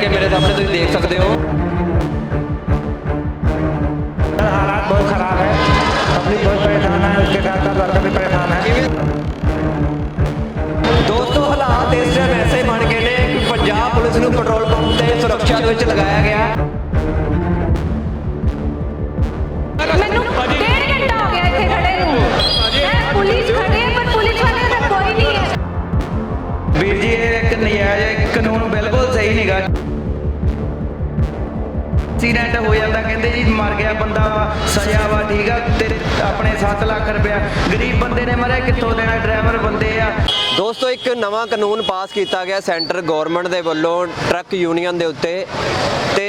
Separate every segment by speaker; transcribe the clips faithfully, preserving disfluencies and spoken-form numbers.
Speaker 1: के मेरे सामने तुम देख सकते हो।
Speaker 2: हालात बहुत खराब है, पब्लिक बहुत परेशान है, उसके साथ साथ वर्कर भी परेशान है।
Speaker 1: दोस्तों हालात इस टाइम ऐसे बन गए ने कि पंजाब पुलिस नूं पेट्रोल पंप ते सुरक्षा दे विच लगाया गया।
Speaker 3: ਮੈਨੂੰ ਡੇਢ ਘੰਟਾ ਹੋ ਗਿਆ ਇੱਥੇ ਖੜੇ ਨੂੰ ਹੈ ਪੁਲਿਸ ਖੜੇ ਹੈ ਪਰ ਪੁਲਿਸ ਵਾਲੇ ਦਾ ਕੋਈ ਨਹੀਂ ਹੈ।
Speaker 2: ਵੀਰ ਜੀ ਇਹ ਇੱਕ ਨਜਾਇਜ਼ ਕਾਨੂੰਨ ਬਿਲਕੁਲ ਸਹੀ ਨਹੀਂਗਾ। ਐਕਸੀਡੈਂਟ ਹੋ ਜਾਂਦਾ ਕਹਿੰਦੇ ਜੀ ਮਰ ਗਿਆ ਬੰਦਾ ਵਾ ਸਜ਼ਾ ਵਾ ਠੀਕ ਆ ਤੇ ਆਪਣੇ ਸੱਤ ਲੱਖ ਰੁਪਇਆ ਗਰੀਬ ਬੰਦੇ ਨੇ ਮਰਿਆ ਕਿੱਥੋਂ ਦੇਣਾ ਡਰਾਈਵਰ ਬੰਦੇ ਆ।
Speaker 1: ਦੋਸਤੋ ਇੱਕ ਨਵਾਂ ਕਾਨੂੰਨ ਪਾਸ ਕੀਤਾ ਗਿਆ ਸੈਂਟਰ ਗਵਰਨਮੈਂਟ ਦੇ ਵੱਲੋਂ ਟਰੱਕ ਯੂਨੀਅਨ ਦੇ ਉੱਤੇ ਤੇ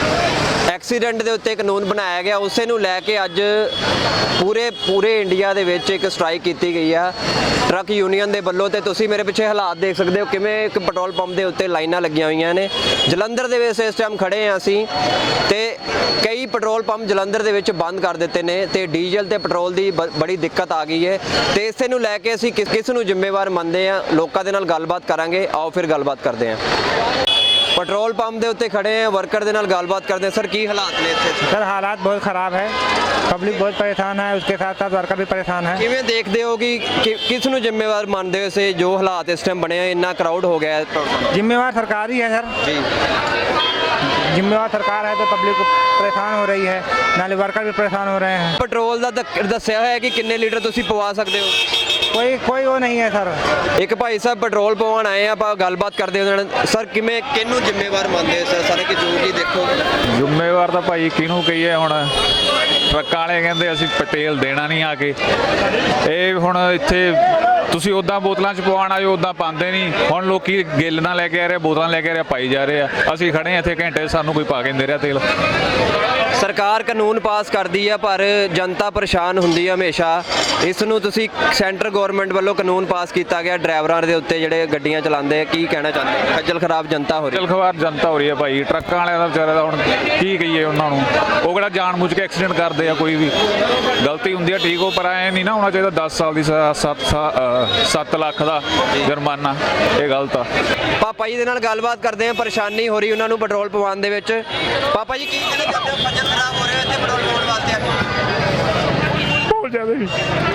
Speaker 1: ਐਕਸੀਡੈਂਟ ਦੇ ਉੱਤੇ ਕਾਨੂੰਨ ਬਣਾਇਆ ਗਿਆ। ਉਸੇ ਨੂੰ ਲੈ ਕੇ ਅੱਜ ਪੂਰੇ ਪੂਰੇ ਇੰਡੀਆ ਦੇ ਵਿੱਚ ਇੱਕ ਸਟ੍ਰਾਈਕ ਕੀਤੀ ਗਈ ਆ ਟਰੱਕ ਯੂਨੀਅਨ ਦੇ ਵੱਲੋਂ। ਤੇ ਤੁਸੀਂ ਮੇਰੇ ਪਿੱਛੇ ਹਾਲਾਤ ਦੇਖ ਸਕਦੇ ਹੋ ਕਿਵੇਂ ਇੱਕ ਪੈਟਰੋਲ ਪੰਪ ਦੇ ਉੱਤੇ ਲਾਈਨਾਂ ਲੱਗੀਆਂ ਹੋਈਆਂ ਨੇ। ਜਲੰਧਰ ਦੇ ਵਿੱਚ ਇਸ ਟਾਈਮ ਖੜੇ ਆ ਅਸੀਂ ਤੇ ਕਈ ਪੈਟਰੋਲ ਪੰਪ ਜਲੰਧਰ ਦੇ ਵਿੱਚ ਬੰਦ ਕਰ ਦਿੱਤੇ ਨੇ ਤੇ ਡੀਜ਼ਲ ਤੇ ਪੈਟਰੋਲ ਦੀ ਬੜੀ ਦਿੱਕਤ ਆ ਗਈ ਹੈ ਤੇ ਇਸੇ ਨੂੰ ਲੈ ਕੇ ਅਸੀਂ ਕਿਸ ਕਿਸ ਨੂੰ ਜ਼ਿੰਮੇਵਾਰ ਮੰਨਦੇ ਆ, ਲੋਕਾਂ ਦੇ ਨਾਲ ਗੱਲਬਾਤ ਕਰਾਂਗੇ। ਆਓ ਫਿਰ ਗੱਲਬਾਤ ਕਰਦੇ ਹਾਂ। पेट्रोल पंप के उत्ते खड़े हैं, वर्कर के नाल गलबात करते हैं। सर की हालात ने इत्थे?
Speaker 2: सर हालात बहुत ख़राब है, पब्लिक बहुत परेशान है, उसके साथ साथ वर्कर भी परेशान है।
Speaker 1: किवें देखते हो कि, कि किस नूं जिम्मेवार मानते हो इसे जो हालात इस टाइम बने हैं, इन्ना क्राउड हो गया है?
Speaker 2: जिम्मेवार सरकार ही है सर
Speaker 1: जी,
Speaker 2: जिम्मेवार सरकार है तो पब्लिक परेशान हो रही है, नाले वर्कर भी परेशान हो रहे हैं।
Speaker 1: पेट्रोल का दस्या है कि किन्ने लीटर तुसीं पवा सकते हो?
Speaker 2: कोई कोई वो नहीं है सर।
Speaker 1: एक भाई साहब पेट्रोल पवाउण आए आ, ਆਪਾਂ ਗੱਲਬਾਤ ਕਰਦੇ ਹਾਂ। ਸਰ ਕਿਵੇਂ ਕਿਹਨੂੰ ਜ਼ਿੰਮੇਵਾਰ ਮੰਨਦੇ ਹੋ ਸਰ ਸਾਰੇ ਕਿ ਜੋ ਵੀ ਦੇਖੋ?
Speaker 4: ਜ਼ਿੰਮੇਵਾਰ ਤਾਂ ਭਾਈ ਕਿਹਨੂੰ ਕਹੀਏ ਹੁਣ, ਟਰੱਕਾਂ ਵਾਲੇ ਕਹਿੰਦੇ ਅਸੀਂ ਪਟੇਲ ਦੇਣਾ ਨਹੀਂ ਆ ਕੇ। ਇਹ ਹੁਣ ਇੱਥੇ ਤੁਸੀਂ ਉੱਦਾਂ ਬੋਤਲਾਂ 'ਚ ਪਵਾਉਣ ਆਇਓ ਉੱਦਾਂ ਪਾਉਂਦੇ ਨਹੀਂ। ਹੁਣ ਲੋਕੀ ਗਿੱਲ ਨਾਲ ਲੈ ਕੇ ਆ ਰਹੇ, ਬੋਤਲਾਂ ਲੈ ਕੇ ਆ ਰਹੇ, ਪਾਈ ਜਾ ਰਹੇ ਆ। ਅਸੀਂ ਖੜੇ ਹਾਂ ਇੱਥੇ ਘੰਟੇ, ਸਾਨੂੰ ਕੋਈ ਪਾ ਕੇ ਨਹੀਂ ਦੇ ਰਿਹਾ ਤੇਲ।
Speaker 1: ਸਰਕਾਰ ਕਾਨੂੰਨ ਪਾਸ ਕਰਦੀ ਆ ਪਰ ਜਨਤਾ ਪਰੇਸ਼ਾਨ ਹੁੰਦੀ ਆ ਹਮੇਸ਼ਾ। ਇਸ ਨੂੰ ਤੁਸੀਂ ਸੈਂਟਰ ਗਵਰਨਮੈਂਟ ਵੱਲੋਂ ਕਾਨੂੰਨ ਪਾਸ ਕੀਤਾ ਗਿਆ ਡਰਾਈਵਰਾਂ ਦੇ ਉੱਤੇ ਜਿਹੜੇ ਗੱਡੀਆਂ ਚਲਾਉਂਦੇ ਆ, ਕੀ ਕਹਿਣਾ ਚਾਹੁੰਦੇ? ਖੱਜਲ ਖਰਾਬ ਜਨਤਾ ਹੋ ਰਹੀ ਹੈ।
Speaker 4: ਖੱਜਲ ਖਰਾਬ ਜਨਤਾ ਹੋ ਰਹੀ ਹੈ ਭਾਈ। ਟਰੱਕਾਂ ਵਾਲਿਆਂ ਦਾ ਵਿਚਾਰਿਆਂ ਦਾ ਹੁਣ ਕੀ ਕਹੀਏ ਉਹਨਾਂ ਨੂੰ। ਉਹ ਕਿਹੜਾ ਜਾਣ ਬੁੱਝ ਕੇ ਐਕਸੀਡੈਂਟ ਕਰਦੇ ਆ, ਕੋਈ ਵੀ ਗਲਤੀ ਹੁੰਦੀ ਆ ਠੀਕ ਹੋ, ਪਰ ਐ ਨਹੀਂ ਨਾ ਹੋਣਾ ਚਾਹੀਦਾ ਦਸ ਸਾਲ ਦੀ ਸੱਤ ਸੱਤ ਲੱਖ ਦਾ ਜੁਰਮਾਨਾ। ਇਹ ਗਲਤ ਆ।
Speaker 1: ਪਾਪਾ ਜੀ ਦੇ ਨਾਲ ਗੱਲਬਾਤ ਕਰਦੇ ਆ, ਪਰੇਸ਼ਾਨੀ ਹੋ ਰਹੀ ਉਹਨਾਂ ਨੂੰ ਪੈਟਰੋਲ ਪਵਾਉਣ ਦੇ ਵਿੱਚ। ਪਾਪਾ ਜੀ ਕੀ ਕਹਿਣਾ ਚਾਹੁੰਦੇ ਹੋ? ਖੱਜਲ ਖਰਾਬ ਹੋ ਰਹੇ ਇੱਥੇ ਪੈਟਰੋਲ ਪਵਾਉਣ ਵਾਸਤੇ?
Speaker 4: ਬਹੁਤ ਜ਼ਿਆਦਾ ਜੀ।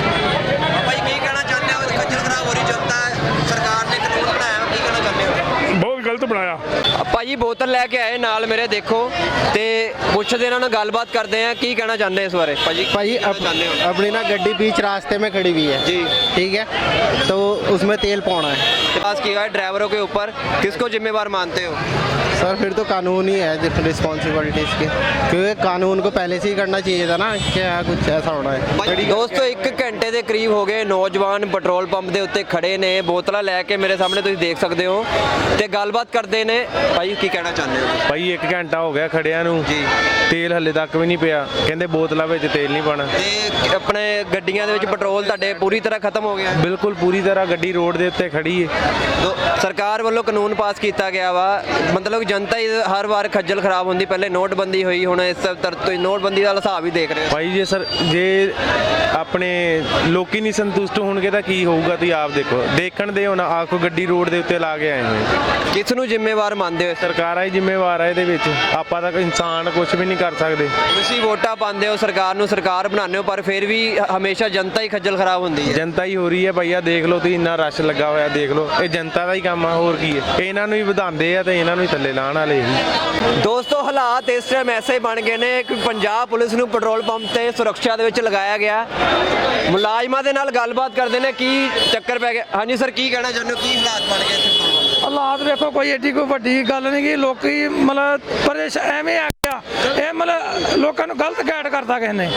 Speaker 1: ਪਾਪਾ ਜੀ ਕੀ ਕਹਿਣਾ ਚਾਹੁੰਦੇ ਹੋ? ਖੱਜਲ ਖਰਾਬ ਹੋ ਰਹੀ ਜਨਤਾ, ਸਰਕਾਰ ਨੇ ਕਾਨੂੰਨ ਬਣਾਇਆ, ਕੀ ਕਹਿਣਾ ਚਾਹੁੰਦੇ ਹੋ?
Speaker 4: ਬਹੁਤ ਗਲਤ ਬਣਾਇਆ।
Speaker 1: ਭਾਜੀ ਬੋਤਲ ਲੈ ਕੇ ਆਏ ਨਾਲ ਮੇਰੇ, ਦੇਖੋ ਤੇ ਪੁੱਛਦੇ ਇਹਨਾਂ ਨਾਲ ਗੱਲਬਾਤ ਕਰਦੇ ਆ ਕੀ ਕਹਿਣਾ ਚਾਹੁੰਦੇ ਇਸ ਬਾਰੇ। ਭਾਜੀ
Speaker 5: भाई अप, अपनी ना गड्डी बीच रास्ते में खड़ी हुई है
Speaker 1: जी,
Speaker 5: ठीक है, तो उसमें तेल पाना है
Speaker 1: पास किया है ड्राइवरों के ऊपर, किसको जिम्मेवार मानते हो?
Speaker 5: सर। फिर तो कानून ही है रिस्पॉन्सिबिलिटी इसकी, क्योंकि कानून को पहले से ही करना चाहिए था ना, क्या कुछ ऐसा होना है।
Speaker 1: ਦੋਸਤੋ ਇੱਕ ਘੰਟੇ ਦੇ ਕਰੀਬ ਹੋ ਗਏ ਨੌਜਵਾਨ ਪੈਟਰੋਲ ਪੰਪ ਦੇ ਉੱਤੇ ਖੜੇ ਨੇ, ਬੋਤਲਾਂ ਲੈ ਕੇ ਮੇਰੇ ਸਾਹਮਣੇ ਤੁਸੀਂ ਦੇਖ ਸਕਦੇ ਹੋ ਤੇ ਗੱਲਬਾਤ ਕਰਦੇ ਨੇ। ਭਾਈ ਕੀ ਕਹਿਣਾ ਚਾਹੁੰਦੇ ਹੋ?
Speaker 6: ਭਾਈ ਇੱਕ ਘੰਟਾ ਹੋ ਗਿਆ ਖੜਿਆਂ ਨੂੰ
Speaker 1: ਜੀ,
Speaker 6: ਤੇਲ ਹੱਲੇ ਤੱਕ ਵੀ ਨਹੀਂ ਪਿਆ, ਕਹਿੰਦੇ ਬੋਤਲਾਂ ਵਿੱਚ ਤੇਲ ਨਹੀਂ ਪਾਣਾ।
Speaker 1: ਤੇ ਆਪਣੇ ਗੱਡੀਆਂ ਦੇ ਵਿੱਚ ਪੈਟਰੋਲ ਤੁਹਾਡੇ ਪੂਰੀ ਤਰ੍ਹਾਂ ਖਤਮ ਹੋ ਗਿਆ?
Speaker 6: ਬਿਲਕੁਲ ਪੂਰੀ ਤਰ੍ਹਾਂ ਗੱਡੀ ਰੋਡ ਦੇ ਉੱਤੇ ਖੜੀ ਹੈ।
Speaker 1: ਸਰਕਾਰ ਵੱਲੋਂ ਕਾਨੂੰਨ ਪਾਸ ਕੀਤਾ ਗਿਆ ਵਾ, ਮਤਲਬ ਜਨਤਾ ਹੀ ਹਰ ਵਾਰ ਖੱਜਲ ਖਰਾਬ ਹੁੰਦੀ। ਪਹਿਲੇ ਨੋਟਬੰਦੀ ਹੋਈ, ਹੁਣ ਇਸ ਤਰ੍ਹਾਂ ਤੁਸੀਂ ਨੋਟਬੰਦੀ ਦਾ ਹਿਸਾਬ ਹੀ ਦੇਖ ਰਹੇ ਹੋ।
Speaker 6: ਭਾਈ ਜੇ ਸਰ ਜੇ ਆਪਣੇ ਲੋਕੀ ਨਹੀਂ ਸੰਤੁਸ਼ਟ ਹੋਣਗੇ ਤਾਂ ਕੀ ਹੋਊਗਾ, ਤੁਸੀਂ ਆਪ ਦੇਖੋ। ਦੇਖਣ ਦੇ ਹੁਣ ਆਖੋ ਗੱਡੀ ਰੋਡ ਦੇ ਉੱਤੇ ਲਾ ਕੇ ਆਏ ਹੋਏ।
Speaker 1: ਕਿਸ ਨੂੰ ਜ਼ਿੰਮੇਵਾਰ ਮੰਨਦੇ ਹੋ?
Speaker 6: ਸਰਕਾਰਾਂ ਹੀ ਜ਼ਿੰਮੇਵਾਰ ਆ ਇਹਦੇ ਵਿੱਚ, ਆਪਾਂ ਤਾਂ ਇਨਸਾਨ ਕੁਝ ਵੀ ਨਹੀਂ ਕਰ ਸਕਦੇ।
Speaker 1: ਤੁਸੀਂ ਵੋਟਾਂ ਪਾਉਂਦੇ ਹੋ ਸਰਕਾਰ ਨੂੰ, ਸਰਕਾਰ ਬਣਾਉਂਦੇ ਹੋ, ਪਰ ਫਿਰ ਵੀ ਹਮੇਸ਼ਾ ਜਨਤਾ ਹੀ ਖੱਜਲ ਖਰਾਬ ਹੁੰਦੀ ਹੈ।
Speaker 6: ਜਨਤਾ ਹੀ ਹੋ ਰਹੀ ਹੈ ਭਈਆ, ਦੇਖ ਲਓ ਤੁਸੀਂ ਇੰਨਾ ਰਸ਼ ਲੱਗਾ ਹੋਇਆ, ਦੇਖ ਲਓ ਇਹ ਜਨਤਾ ਦਾ ਹੀ ਕੰਮ ਆ, ਹੋਰ ਕੀ ਹੈ। ਇਹਨਾਂ ਨੂੰ ਹੀ ਵਧਾਉਂਦੇ ਆ ਤੇ ਇਹਨਾਂ ਨੂੰ ਹੀ ਥੱਲੇ ਲਾਉਣ ਵਾਲੇ ਹੀ।
Speaker 1: ਦੋਸਤੋ ਹਾਲਾਤ ਇਸ ਟਾਈਮ ਐਸੇ ਬਣ ਗਏ ਨੇ ਕਿ ਪੰਜਾਬ ਪੁਲਿਸ ਨੂੰ ਪੈਟਰੋਲ ਪੰਪ ਤੇ ਸੁਰੱਖਿਆ ਦੇ ਵਿੱਚ ਲਗਾਇਆ ਗਿਆ। ਮੁਲਾਜ਼ਮਾਂ ਦੇ ਨਾਲ ਗੱਲਬਾਤ ਕਰਦੇ ਨੇ ਕੀ ਚੱਕਰ ਪੈ ਗਿਆ। ਹਾਂਜੀ ਸਰ ਕੀ ਕਹਿਣਾ ਚਾਹੁੰਦੇ ਹੋ, ਕੀ ਹਾਲਾਤ ਬਣ ਗਏ ਇੱਥੇ?
Speaker 7: ਹਾਲਾਤ ਵੇਖੋ ਕੋਈ ਏਡੀ ਕੋਈ ਵੱਡੀ ਗੱਲ ਨਹੀਂ ਗੀ, ਲੋਕੀ ਮਤਲਬ ਪਰੇਸ਼ ਐਵੇਂ ਆ ਗਿਆ, ਇਹ ਮਤਲਬ ਲੋਕਾਂ ਨੂੰ ਗਲਤ ਗਾਈਡ ਕਰਦਾ ਕਿਸੇ ਨੇ।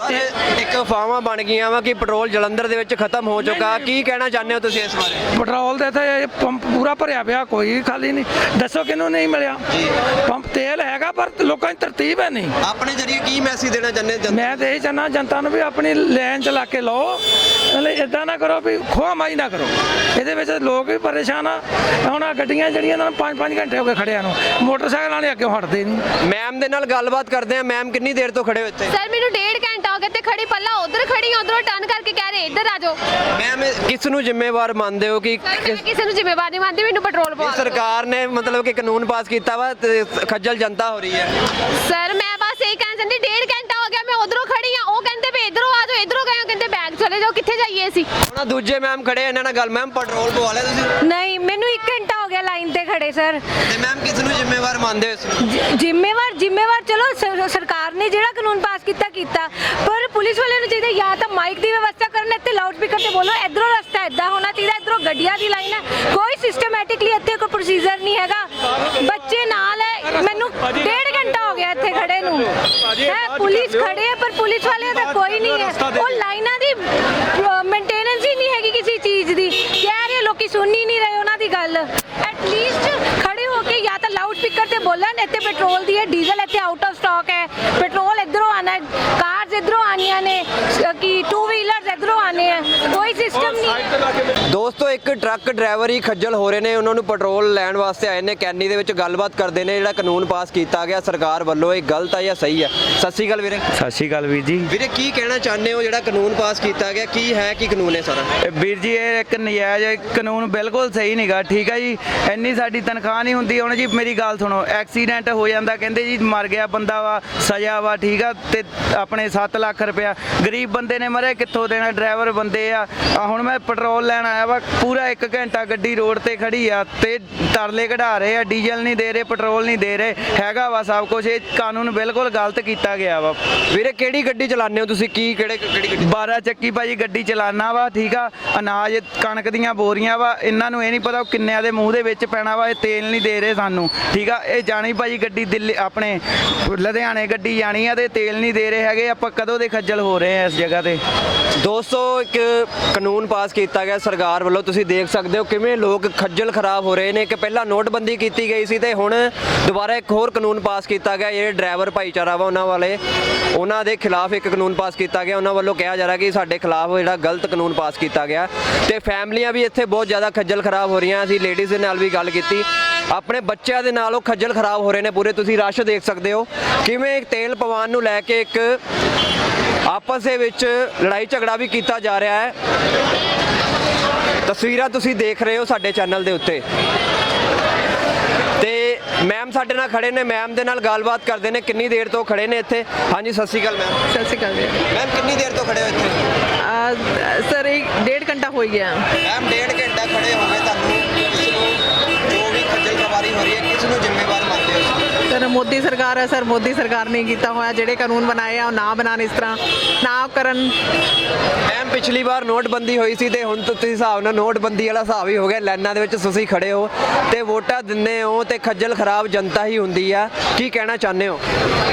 Speaker 7: ਇਹ
Speaker 1: ਇੱਕ ਅਫਵਾਹਾਂ ਬਣ ਗਈਆਂ ਵਾ ਕਿ ਪੈਟਰੋਲ ਜਲੰਧਰ ਦੇ ਵਿੱਚ ਖਤਮ ਹੋ ਚੁੱਕਾ, ਕੀ ਕਹਿਣਾ ਚਾਹੁੰਦੇ ਹੋ ਤੁਸੀਂ ਇਸ ਬਾਰੇ?
Speaker 7: ਪੈਟਰੋਲ ਦੇ ਤੇ ਪੰਪ ਪੂਰਾ ਭਰਿਆ ਪਿਆ, ਕੋਈ ਖਾਲੀ ਨਹੀਂ। ਦੱਸੋ ਕਿਹਨੂੰ ਨਹੀਂ ਮਿਲਿਆ ਪੰਪ? ਤੇਲ ਹੈਗਾ ਪਰ ਲੋਕਾਂ ਦੀ ਤਰਤੀਬ ਹੈ ਨਹੀਂ।
Speaker 1: ਆਪਣੇ ਜਰੀਏ ਕੀ ਮੈਸੇਜ ਦੇਣਾ ਚਾਹੁੰਦੇ?
Speaker 7: ਮੈਂ ਤੇ ਇਹ ਚਾਹੁੰਦਾ ਜਨਤਾ ਨੂੰ ਵੀ ਆਪਣੀ ਲਾਈਨ ਚਲਾ ਕੇ ਲਓ, ਮਤਲਬ ਇਦਾਂ ਨਾ ਕਰੋ ਵੀ ਖੋਹ ਮਾਈ ਨਾ ਕਰੋ। ਇਹਦੇ ਵਿੱਚ ਲੋਕ ਵੀ ਪਰੇਸ਼ਾਨ ਆ। ਹੁਣ ਆ ਗੱਡੀਆਂ ਜਿਹੜੀਆਂ ਨਾਲ ਪੰਜ ਪੰਜ ਘੰਟੇ ਹੋ ਗਏ ਖੜਿਆਂ ਨੂੰ, ਮੋਟਰਸਾਈਕਲ ਵਾਲੇ ਅੱਗੇ ਹਟਦੇ ਨਹੀਂ।
Speaker 1: ਮੈਮ ਦੇ ਨਾਲ ਗੱਲਬਾਤ ਕਰਦੇ ਆ। ਮੈਮ ਕਿੰਨੀ ਦੇਰ ਤੋਂ ਖੜੇ ਹੋ ਇੱਥੇ?
Speaker 3: ਸਰ ਮੈਨੂੰ ਡੇਢ ਘੰਟਾ ਹੋ ਗਿਆ ਜਗ੍ਹਾ ਤੇ ਖੜੀ, ਪੱਲਾ ਉਧਰ ਖੜੀ, ਉਧਰੋਂ ਟਰਨ ਕਰਕੇ ਕਹਿ ਰਹੇ ਇੱਧਰ ਆ ਜਾਓ।
Speaker 1: ਮੈਮ ਕਿਸ ਨੂੰ ਜ਼ਿੰਮੇਵਾਰ ਮੰਨਦੇ ਹੋ ਕਿ
Speaker 3: ਸਰ, ਮੈਂ ਕਿਸੇ ਨੂੰ ਜ਼ਿੰਮੇਵਾਰ ਨਹੀਂ ਮੰਨਦੀ, ਮੈਨੂੰ ਪੈਟਰੋਲ ਪਵਾ ਦਿਓ।
Speaker 1: ਸਰਕਾਰ ਨੇ ਮਤਲਬ ਕਿ ਕਾਨੂੰਨ ਪਾਸ ਕੀਤਾ ਵਾ ਤੇ ਖੱਜਲ ਜਨਤਾ ਹੋ ਰਹੀ ਹੈ?
Speaker 3: ਸਰ ਮੈਂ ਬਸ ਇਹੀ ਕਹਿਣਾ ਚਾਹੁੰਦੀ, ਡੇਢ ਘੰਟਾ ਹੋ ਗਿਆ ਮੈਂ ਉਧਰੋਂ ਖੜੀ ਆ, ਉਹ ਕਹਿੰਦੇ ਵੀ ਇੱਧਰੋਂ ਆ ਜਾਓ, ਇੱਧਰੋਂ ਗਏ, ਉਹ ਕਹਿੰਦੇ ਬੈਗ ਚਲੇ ਜਾਓ, ਕਿੱਥੇ ਜਾਈਏ ਅਸੀਂ?
Speaker 1: ਉਹਨਾਂ ਦੂਜੇ ਮੈਮ ਖੜੇ ਇਹਨਾਂ ਨਾਲ ਗੱਲ, ਮੈਮ ਪੈਟਰੋਲ ਪਵਾ ਲਿਆ ਤੁਸੀਂ?
Speaker 3: ਨਹੀਂ, ਮੈਨੂੰ ਇੱਕ ਘੰਟਾ ਹੋ ਗਿਆ ਲਾਈਨ ਤੇ ਖੜੇ ਸਰ।
Speaker 1: ਤੇ ਮੈਮ ਕਿਸ ਨੂੰ ਜ਼ਿੰਮੇਵਾਰ ਮੰਨਦੇ ਹੋ ਇਸ ਨੂੰ?
Speaker 3: ਜ- ਜ਼ਿੰਮੇਵਾਰ ਜ਼ਿੰਮੇਵਾਰ ਚਲੋ ਸ- ਸਰਕਾਰ ਨੇ ਜਿਹੜਾ ਕਾਨੂੰਨ ਪਾਸ ਕੀਤਾ ਕੀਤਾ, ਪਰ ਪੁਲਿਸ ਵਾਲਿਆਂ ਨੂੰ ਚਾਹੀਦਾ ਜਾਂ ਤਾਂ ਮਾਈਕ ਦੀ ਵਿਵਸਥਾ ਕਰਨ, ਇੱਥੇ ਲਾਊਡ ਸਪੀਕਰ ਤੇ ਬੋਲੋ, ਇਧਰੋਂ ਰਸਤਾ ਇਦਾਂ ਹੋਣਾ ਚਾਹੀਦਾ, ਇਧਰੋਂ ਗੱਡੀਆਂ ਦੀ ਲਾਈਨ ਹੈ, ਕੋਈ ਸਿਸਟਮੈਟਿਕਲੀ ਇੱਥੇ ਕੋਈ ਪ੍ਰੋਸੀਜਰ ਨਹੀਂ ਹੈਗਾ। ਬੱਚੇ ਨਾਲ ਹੈ, ਮੈਨੂੰ ਡੇਢ ਘੰਟਾ ਹੋ ਗਿਆ ਇੱਥੇ ਖੜੇ ਨੂੰ, ਹੈ ਪੁਲਿਸ ਖੜੇ ਹੈ ਪਰ ਪੁਲਿਸ ਵਾਲਿਆਂ ਦਾ ਕੋਈ ਨਹੀਂ ਹੈ, ਉਹ ਲਾਈਨਾਂ ਦੀ ਮੇਨਟੇਨੈਂਸ ਹੀ ਨਹੀਂ ਹੈਗੀ ਕਿਸੇ ਚੀਜ਼ ਦੀ, ਕਹਿ ਰਹੇ ਲੋਕੀ ਸੁਣ ਹੀ ਨਹੀਂ ਰਹੇ ਉਹਨਾਂ ਦੀ ਗੱਲ। ਐਟਲੀਸਟ ਖੜੇ ਹੋ ਕੇ ਜਾਂ ਤਾਂ ਲਾਊਡ ਸਪੀਕਰ ਤੇ ਬੋਲਣ, ਇੱਥੇ ਪੈਟਰੋਲ ਦੀ ਹੈ, ਡੀਜ਼ਲ ਇੱਥੇ ਆਊਟ ਆਫ ਸਟਾਕ ਹੈ, ਪੈਟਰੋਲ ਇਧਰੋਂ ਆਣਾ ਹੈ, ਕਾਰਸ ਇਧਰੋਂ ਆਣੀਆਂ ਨੇ, ਕਿ ਟੂ ਵੀਲਰਸ ਇਧਰੋਂ ਆਣੇ ਹੈ, ਕੋਈ ਸਿਸਟਮ ਨਹੀਂ।
Speaker 1: ਦੋਸਤੋ ਇੱਕ ਟਰੱਕ ਡਰਾਈਵਰ ਹੀ ਖੱਜਲ ਹੋ ਰਹੇ ਨੇ, ਉਹਨਾਂ ਨੂੰ ਪੈਟਰੋਲ ਲੈਣ ਵਾਸਤੇ ਆਏ ਨੇ, ਕੈਨੀ ਦੇ ਵਿੱਚ ਗੱਲਬਾਤ ਕਰਦੇ ਨੇ ਜਿਹੜਾ ਕਾਨੂੰਨ ਪਾਸ ਕੀਤਾ ਗਿਆ ਸਰਕਾਰ ਵੱਲੋਂ, ਇਹ ਗਲਤ ਹੈ ਜਾਂ ਸਹੀ ਹੈ? ਸਤਿ ਸ਼੍ਰੀ ਅਕਾਲ ਵੀਰੇ।
Speaker 2: ਸਤਿ ਸ਼੍ਰੀ ਅਕਾਲ ਵੀਰ ਜੀ।
Speaker 1: ਵੀਰੇ ਕੀ ਕਹਿਣਾ ਚਾਹੁੰਦੇ ਹੋ ਜਿਹੜਾ ਕਾਨੂੰਨ ਪਾਸ ਕੀਤਾ ਗਿਆ, ਕੀ ਹੈ ਕੀ ਕਾਨੂੰਨ ਹੈ ਸਾਰਾ?
Speaker 2: ਇਹ ਵੀਰ ਜੀ ਇਹ ਇੱਕ ਨਜਾਇਜ਼ ਕਾਨੂੰਨ ਬਿਲਕੁਲ ਸਹੀ ਨਹੀਂਗਾ, ਠੀਕ ਹੈ ਜੀ। ਇੰਨੀ ਸਾਡੀ ਤਨਖਾਹ ਨਹੀਂ ਹੁੰਦੀ। ਹੁਣ ਜੀ ਮੇਰੀ ਗੱਲ ਸੁਣੋ, ਐਕਸੀਡੈਂਟ ਹੋ ਜਾਂਦਾ, ਕਹਿੰਦੇ ਜੀ ਮਰ ਗਿਆ ਬੰਦਾ ਵਾ, ਸਜ਼ਾ ਵਾ, ਠੀਕ ਆ, ਤੇ ਆਪਣੇ ਸੱਤ ਲੱਖ ਰੁਪਇਆ ਗਰੀਬ ਬੰਦੇ ਨੇ ਮਰੇ, ਕਿੱਥੋਂ ਦੇਣਾ? ਡਰਾਈਵਰ ਬੰਦੇ ਆ। ਆਹ ਹੁਣ ਮੈਂ ਪੈਟਰੋਲ ਲੈਣ ਆਇਆ ਵਾ, ਪੂਰਾ ਇੱਕ ਘੰਟਾ ਗੱਡੀ ਰੋਡ ਤੇ ਖੜੀ ਆ ਤੇ ਤਰਲੇ ਕਢਾ ਰਹੇ ਆ, ਡੀਜ਼ਲ ਨਹੀਂ ਦੇ ਰਹੇ, ਪੈਟਰੋਲ ਨਹੀਂ ਦੇ ਰਹੇ, ਹੈਗਾ ਵਾ ਸਭ ਕੁਝ। ਇਹ ਕਾਨੂੰਨ ਬਿਲਕੁਲ ਗਲਤ ਕੀਤਾ ਗਿਆ ਵਾ।
Speaker 1: ਵੀਰੇ ਕਿਹੜੀ ਗੱਡੀ ਚਲਾਉਂਦੇ ਹੋ ਤੁਸੀਂ, ਕੀ ਕਿਹੜੇ ਕਿਹੜੀ ਗੱਡੀ?
Speaker 2: ਬਾਰਾਂ ਚੱਕੀ ਭਾਜੀ ਗੱਡੀ ਚਲਾਨਾ ਵਾ, ਠੀਕ ਆ। ਅਨਾਜ ਕਣਕ ਦੀਆਂ ਬੋਰੀਆਂ ਵਾ, ਇਹਨਾਂ ਨੂੰ ਇਹ ਨਹੀਂ ਪਤਾ ਉਹ ਕਿੰਨਿਆਂ ਦੇ ਮੂੰਹ ਦੇ ਵਿੱਚ ਪੈਣਾ ਵਾ, ਇਹ ਤੇਲ ਨਹੀਂ ਦੇ ਰਹੇ ਸਾਨੂੰ, ਠੀਕ ਆ। ਇਹ ਜਾਣੀ ਭਾਜੀ ਗੱਡੀ ਦਿੱਲੀ ਆਪਣੇ ਲੁਧਿਆਣੇ ਗੱਡੀ ਜਾਣੀ ਆ ਤੇ ਤੇਲ ਨਹੀਂ ਦੇ ਰਹੇ ਹੈਗੇ। ਆਪਾਂ ਕਦੋਂ ਦੇ ਖੱਜਲ ਹੋ ਰਹੇ ਆ ਇਸ ਜਗ੍ਹਾ ਤੇ।
Speaker 1: ਦੋਸਤੋ ਇੱਕ ਕਾਨੂੰਨ ਪਾਸ ਕੀਤਾ ਗਿਆ ਸਰਕਾਰ ਵੱਲੋਂ, ਤੁਸੀਂ ਦੇਖ ਸਕਦੇ ਹੋ ਕਿਵੇਂ ਲੋਕ ਖੱਜਲ ਖਰਾਬ ਹੋ ਰਹੇ ਨੇ ਕਿ ਪਹਿਲਾਂ ਨੋਟਬੰਦੀ ਕੀਤੀ ਗਈ ਸੀ ਤੇ ਹੁਣ ਦੁਬਾਰਾ ਇੱਕ ਹੋਰ ਕਾਨੂੰਨ ਪਾਸ ਕੀਤਾ ਗਿਆ। ਜਿਹੜੇ ਡਰਾਈਵਰ ਭਾਈਚਾਰਾ ਵਾ ਉਹਨਾਂ ਵਾਲੇ, ਉਹਨਾਂ ਦੇ ਖਿਲਾਫ ਇੱਕ ਕਾਨੂੰਨ ਪਾਸ ਕੀਤਾ ਗਿਆ। ਉਹਨਾਂ ਵੱਲੋਂ ਕਿਹਾ ਜਾ ਰਿਹਾ ਕਿ ਸਾਡੇ ਖਿਲਾਫ ਜਿਹੜਾ ਗਲਤ ਕਾਨੂੰਨ ਪਾਸ ਕੀਤਾ ਗਿਆ ਤੇ ਫੈਮਲੀਆਂ ਵੀ ਇੱਥੇ ਬਹੁਤ ਜ਼ਿਆਦਾ ਖੱਜਲ ਖਰਾਬ ਹੋ ਰਹੀਆਂ। ਅਸੀਂ ਲੇਡੀਜ਼ ਦੇ ਨਾਲ ਵੀ ਗੱਲ ਕੀਤੀ, ਆਪਣੇ ਬੱਚਿਆਂ ਦੇ ਨਾਲ ਉਹ ਖੱਜਲ ਖਰਾਬ ਹੋ ਰਹੇ ਨੇ ਪੂਰੇ। ਤੁਸੀਂ ਰਸ਼ ਦੇਖ ਸਕਦੇ ਹੋ ਕਿਵੇਂ ਤੇਲ ਪਵਾਉਣ ਨੂੰ ਲੈ ਕੇ ਇੱਕ ਆਪਸ ਦੇ ਵਿੱਚ ਲੜਾਈ ਝਗੜਾ ਵੀ ਕੀਤਾ ਜਾ ਰਿਹਾ ਹੈ। ਤਸਵੀਰਾਂ ਤੁਸੀਂ ਦੇਖ ਰਹੇ ਹੋ ਸਾਡੇ ਚੈਨਲ ਦੇ ਉੱਤੇ। ਤੇ ਮੈਮ ਸਾਡੇ ਨਾਲ ਖੜੇ ਨੇ, ਮੈਮ ਦੇ ਨਾਲ ਗੱਲਬਾਤ ਕਰਦੇ ਨੇ, ਕਿੰਨੀ ਦੇਰ ਤੋਂ ਖੜੇ ਨੇ ਇੱਥੇ? ਹਾਂਜੀ ਸਤਿ ਸ਼੍ਰੀ ਅਕਾਲ ਮੈਮ।
Speaker 8: ਸਤਿ ਸ਼੍ਰੀ ਅਕਾਲ ਜੀ।
Speaker 1: ਮੈਮ ਕਿੰਨੀ ਦੇਰ ਤੋਂ ਖੜੇ ਹੋ ਇੱਥੇ?
Speaker 8: ਆ, ਸਰ ਇੱਕ ਡੇਢ ਘੰਟਾ ਹੋ ਗਿਆ।
Speaker 1: ਮੈਮ ਡੇਢ ਘੰਟਾ ਖੜੇ ਹੋ ਗਏ, ਤੁਹਾਨੂੰ ਕਿਸ ਨੂੰ ਜੋ ਵੀ ਖੱਜਲ ਖਵਾਰੀ ਹੋ ਰਹੀ ਹੈ ਕਿਸ ਨੂੰ ਜ਼ਿੰਮੇਵਾਰ ਮੰਨਦੇ ਹੋ?
Speaker 8: ਸਰ ਮੋਦੀ ਸਰਕਾਰ ਹੈ, ਸਰ ਮੋਦੀ ਸਰਕਾਰ ਨੇ ਕੀਤਾ ਹੋਇਆ, ਜਿਹੜੇ ਕਾਨੂੰਨ ਬਣਾਏ ਆ ਉਹ ਨਾ ਬਣਾਉਣ, ਇਸ ਤਰ੍ਹਾਂ ਨਾ ਕਰਨ।
Speaker 1: ਮੈਮ ਪਿਛਲੀ ਵਾਰ ਨੋਟਬੰਦੀ ਹੋਈ ਸੀ ਤੇ ਹੁਣ ਤੁਸੀਂ ਹਿਸਾਬ ਨਾਲ ਨੋਟਬੰਦੀ ਵਾਲਾ ਹਿਸਾਬ ਹੀ ਹੋ ਗਿਆ, ਲਾਈਨਾਂ ਦੇ ਵਿੱਚ ਤੁਸੀਂ ਖੜੇ ਹੋ ਤੇ ਵੋਟਾਂ ਦਿੰਦੇ ਹੋ ਤੇ ਖੱਜਲ ਖਰਾਬ ਜਨਤਾ ਹੀ ਹੁੰਦੀ ਆ, ਕੀ ਕਹਿਣਾ ਚਾਹੁੰਦੇ ਹੋ?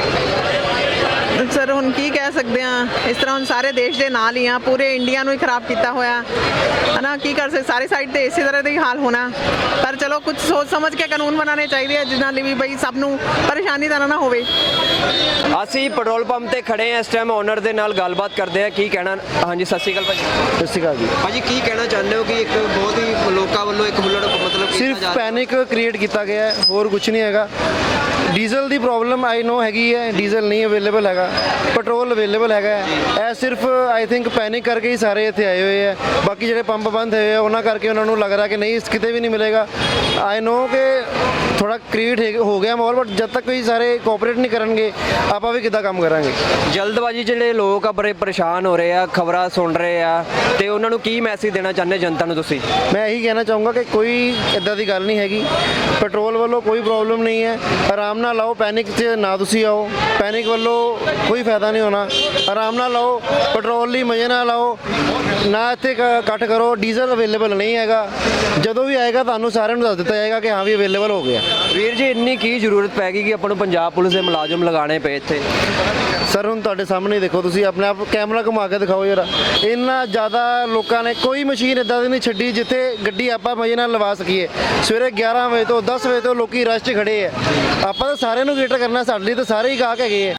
Speaker 8: ਸਰ ਹੁਣ ਕੀ ਕਹਿ ਸਕਦੇ ਆ, ਇਸ ਤਰ੍ਹਾਂ ਹੁਣ ਸਾਰੇ ਦੇਸ਼ ਦੇ ਨਾਲ ਹੀ ਆ, ਪੂਰੇ ਇੰਡੀਆ ਨੂੰ ਹੀ ਖਰਾਬ ਕੀਤਾ ਹੋਇਆ ਹਨਾ। ਕੀ ਕਰ ਸਕਦੇ, ਸਾਰੇ ਸਾਈਡ ਤੇ ਇਸੇ ਤਰ੍ਹਾਂ ਦਾ ਹੀ ਹਾਲ ਹੋਣਾ। ਪਰ ਚਲੋ ਕੁਝ ਸੋਚ ਸਮਝ ਕੇ ਕਾਨੂੰਨ ਬਣਾਉਣੇ ਚਾਹੀਦੇ ਆ, ਜਿਨ੍ਹਾਂ ਲਈ ਵੀ ਬਈ ਸਭ ਨੂੰ ਪਰੇਸ਼ਾਨੀ ਤਾਂ ਨਾ ਹੋਵੇ।
Speaker 1: ਅਸੀਂ ਪੈਟਰੋਲ ਪੰਪ ਤੇ ਖੜੇ ਆ ਇਸ ਟਾਈਮ, ਓਨਰ ਦੇ ਨਾਲ ਗੱਲਬਾਤ ਕਰਦੇ ਆ, ਕੀ ਕਹਿਣਾ? ਹਾਂਜੀ ਸਤਿ ਸ਼੍ਰੀ ਅਕਾਲ ਭਾਜੀ।
Speaker 5: ਸਤਿ ਸ਼੍ਰੀ ਅਕਾਲ ਜੀ।
Speaker 1: ਭਾਜੀ ਕੀ ਕਹਿਣਾ ਚਾਹੁੰਦੇ ਹੋ ਕਿ ਇੱਕ ਬਹੁਤ ਹੀ ਲੋਕਾਂ ਵੱਲੋਂ ਇੱਕ ਬੁਲਟ ਮਤਲਬ ਕੀਤਾ
Speaker 5: ਸਿਰਫ
Speaker 1: ਜਾ ਰਿਹਾ?
Speaker 5: ਪੈਨਿਕ ਕ੍ਰੀਏਟ ਕੀਤਾ ਗਿਆ ਹੈ, ਹੋਰ ਕੁਝ ਨਹੀਂ ਹੈਗਾ। ਡੀਜ਼ਲ ਦੀ ਪ੍ਰੋਬਲਮ ਆਈ ਨੋ ਹੈਗੀ ਹੈ, ਡੀਜ਼ਲ ਨਹੀਂ ਅਵੇਲੇਬਲ ਹੈਗਾ, ਪੈਟਰੋਲ ਅਵੇਲੇਬਲ ਹੈਗਾ ਹੈ। ਇਹ ਸਿਰਫ ਆਈ ਥਿੰਕ ਪੈਨਿਕ ਕਰਕੇ ਹੀ ਸਾਰੇ ਇੱਥੇ ਆਏ ਹੋਏ ਆ। ਬਾਕੀ ਜਿਹੜੇ ਪੰਪ ਬੰਦ ਹੋਏ ਆ ਉਹਨਾਂ ਕਰਕੇ ਉਹਨਾਂ ਨੂੰ ਲੱਗ ਰਿਹਾ ਕਿ ਨਹੀਂ ਕਿਤੇ ਵੀ ਨਹੀਂ ਮਿਲੇਗਾ। ਆਈ ਨੋ ਕਿ ਥੋੜਾ ਕ੍ਰੀਏਟ ਹੋ ਗਿਆ ਮਾਹੌਲ, ਬਟ ਜਦ ਤੱਕ ਕੋਈ ਸਾਰੇ ਕੋਆਪਰੇਟ ਨਹੀਂ ਕਰਨਗੇ ਆਪਾਂ ਵੀ ਕਿੱਦਾਂ ਕੰਮ ਕਰਾਂਗੇ।
Speaker 1: ਜਲਦਬਾਜ਼ੀ ਜਿਹੜੇ ਲੋਕ ਆ ਬੜੇ ਪਰੇਸ਼ਾਨ ਹੋ ਰਹੇ ਆ, ਖਬਰਾਂ ਸੁਣ ਰਹੇ ਆ, ਤੇ ਉਹਨਾਂ ਨੂੰ ਕੀ ਮੈਸੇਜ ਦੇਣਾ ਚਾਹੁੰਦੇ ਜਨਤਾ ਨੂੰ ਤੁਸੀਂ?
Speaker 5: ਮੈਂ ਇਹੀ ਕਹਿਣਾ ਚਾਹੂੰਗਾ ਕਿ ਕੋਈ ਇਦਾਂ ਦੀ ਗੱਲ ਨਹੀਂ ਹੈਗੀ, ਪੈਟਰੋਲ ਵੱਲੋਂ ਕੋਈ ਪ੍ਰੋਬਲਮ ਨਹੀਂ ਹੈ। ਆਰਾਮ ਨਾਲ ਆਓ, ਪੈਨਿਕ 'ਚ ਨਾ ਤੁਸੀਂ ਆਓ, ਪੈਨਿਕ ਵੱਲੋਂ ਕੋਈ ਫਾਇਦਾ ਨਹੀਂ ਹੋਣਾ। ਆਰਾਮ ਨਾਲ ਆਓ, ਪੈਟਰੋਲ ਲਈ ਮਜ਼ੇ ਨਾਲ ਆਓ, ਨਾ ਇੱਥੇ ਇਕੱਠ ਕਰੋ। ਡੀਜ਼ਲ ਅਵੇਲੇਬਲ ਨਹੀਂ ਹੈਗਾ, ਜਦੋਂ ਵੀ ਆਏਗਾ ਤੁਹਾਨੂੰ ਸਾਰਿਆਂ ਨੂੰ ਦੱਸ ਦਿੱਤਾ ਜਾਏਗਾ ਕਿ ਹਾਂ ਵੀ ਅਵੇਲੇਬਲ ਹੋ ਗਿਆ।
Speaker 1: ਵੀਰ ਜੀ ਇੰਨੀ ਕੀ ਜ਼ਰੂਰਤ ਪੈ ਗਈ ਕਿ ਆਪਾਂ ਨੂੰ ਪੰਜਾਬ ਪੁਲਿਸ ਦੇ ਮੁਲਾਜ਼ਮ ਲਗਾਉਣੇ ਪਏ ਇੱਥੇ?
Speaker 5: ਸਰ ਹੁਣ ਤੁਹਾਡੇ ਸਾਹਮਣੇ ਦੇਖੋ, ਤੁਸੀਂ ਆਪਣੇ ਆਪ ਕੈਮਰਾ ਘੁਮਾ ਕੇ ਦਿਖਾਓ ਯਾਰ। ਇੰਨਾ ਜ਼ਿਆਦਾ ਲੋਕਾਂ ਨੇ ਕੋਈ ਮਸ਼ੀਨ ਇੱਦਾਂ ਦੀ ਨਹੀਂ ਛੱਡੀ ਜਿੱਥੇ ਗੱਡੀ ਆਪਾਂ ਮਜ਼ੇ ਨਾਲ ਲਵਾ ਸਕੀਏ। ਸਵੇਰੇ ਗਿਆਰਾਂ ਵਜੇ ਤੋਂ ਦਸ ਵਜੇ ਤੋਂ ਲੋਕੀ ਰਸ਼ 'ਚ ਖੜੇ ਆ। ਆਪਾਂ ਤਾਂ ਸਾਰਿਆਂ ਨੂੰ ਕੇਟਰ ਕਰਨਾ, ਸਾਡੇ ਲਈ ਤਾਂ ਸਾਰੇ ਹੀ ਗਾਹਕ ਹੈਗੇ ਆ।